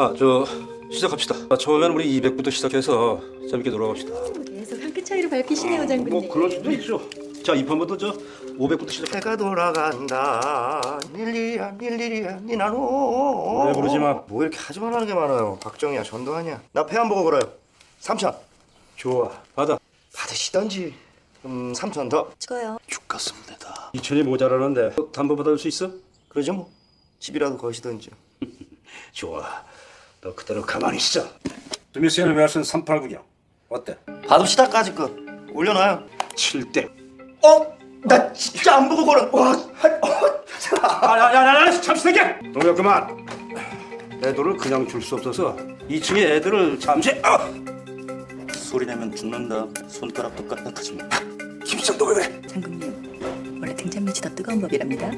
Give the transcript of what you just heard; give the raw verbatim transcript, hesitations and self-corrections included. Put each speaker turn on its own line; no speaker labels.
아, 저 시작합시다. 아, 처음에는 우리 이백부터 시작해서 재밌게 놀아봅시다.
계속 한 끗 차이로 밟히시네요, 장군님.
뭐 그럴 수도 있죠. 자, 이 판부터 저 오백부터 시작.
해가 돌아간다 닐리야 닐리야 니나노
노래 부르지 마.
뭐 이렇게 하지 말라는 게 많아요. 박정희야 전두환이야. 나 배 안 보고 걸어요. 삼천.
좋아, 받아.
받으시던지. 음 삼천 더.
찍어요.
죽겠습니다.
이천이 모자라는데 담보 받아줄 수 있어?
그러죠 뭐. 집이라도 거시던지.
좋아. 너 그대로 가만히 있어. 스미스앤 웨어슨 삼팔구경 어때?
받읍시다까지 거 올려놔요.
칠 대.
어? 나 진짜 안 보고 걸어. 와.
야야야야, 잠시만요. 동혁 그만. 애들을 그냥 줄 수 없어서 이 층에 애들을 잠시. 아!
소리 내면 죽는다. 손가락도 까딱하지 마.
김수정 너 왜 그래?
장군님, 원래 등잔 밑이 더 뜨거운 법이랍니다.